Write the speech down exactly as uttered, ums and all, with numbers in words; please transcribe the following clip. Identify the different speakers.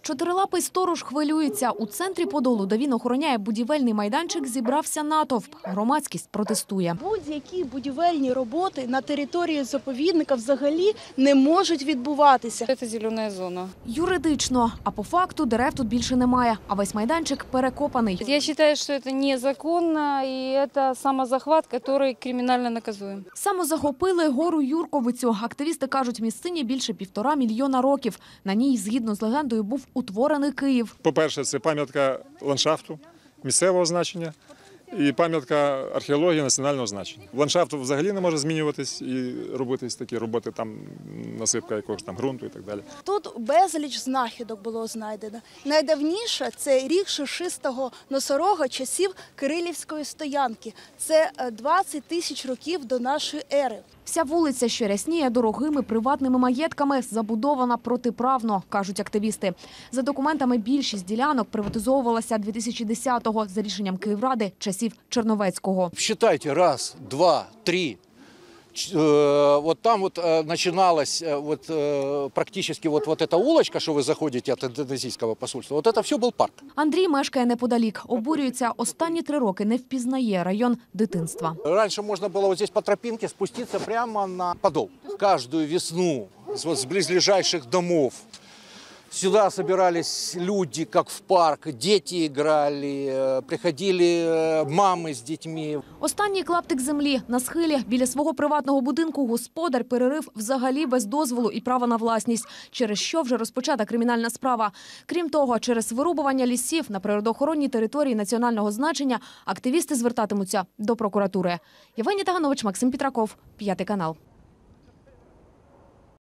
Speaker 1: Чотирилапий сторож хвилюється. У центрі Подолу, де він охороняє будівельний майданчик, зібрався натовп. Громадськість протестує.
Speaker 2: Будь-які будівельні роботи на території заповідника взагалі не можуть відбуватися.
Speaker 3: Це зелена зона.
Speaker 1: Юридично. А по факту дерев тут більше немає. А весь майданчик перекопаний.
Speaker 3: Я вважаю, що це незаконно і це самозахват, який кримінально наказуємо.
Speaker 1: Самозахопили гору Юрковицю. Активісти кажуть, місцині більше півтора мільйона років. На ній, згідно з легендою, був утворений Київ.
Speaker 4: По-перше, це пам'ятка ландшафту, місцевого значення і пам'ятка археології національного значення. Ландшафт взагалі не може змінюватись і робитись такі роботи, там насипка якогось там ґрунту і так далі.
Speaker 2: Тут безліч знахідок було знайдено. Найдавніше – це ріг шишистого носорога часів Кирилівської стоянки. Це двадцять тисяч років до нашої ери.
Speaker 1: Вся вулиця, що рясніє дорогими приватними маєтками, забудована протиправно, кажуть активісти. За документами, більшість ділянок приватизовувалася дві тисячі десятого за рішенням Київради часів Черновецького.
Speaker 5: Считайте, раз, два, три. Вот там вот начиналась вот практически вот, вот эта улочка, что вы заходите от индонезийского посольства, вот это все был парк.
Speaker 1: Андрій мешкає неподалік. Обурюється, останні три роки не впізнає район дитинства.
Speaker 5: Раньше можно было вот здесь по тропинке спуститься прямо на Подол. Каждую весну вот с близлежащих домов сюда собирались люди, как в парк, дети играли, приходили мами з дітьми.
Speaker 1: Останній клаптик землі на схилі біля свого приватного будинку господар перерив взагалі без дозволу і права на власність, через що вже розпочата кримінальна справа. Крім того, через вирубування лісів на природоохоронній території національного значення активісти звертатимуться до прокуратури. Євгенія Таганович, Максим Петраков, П'ятий канал.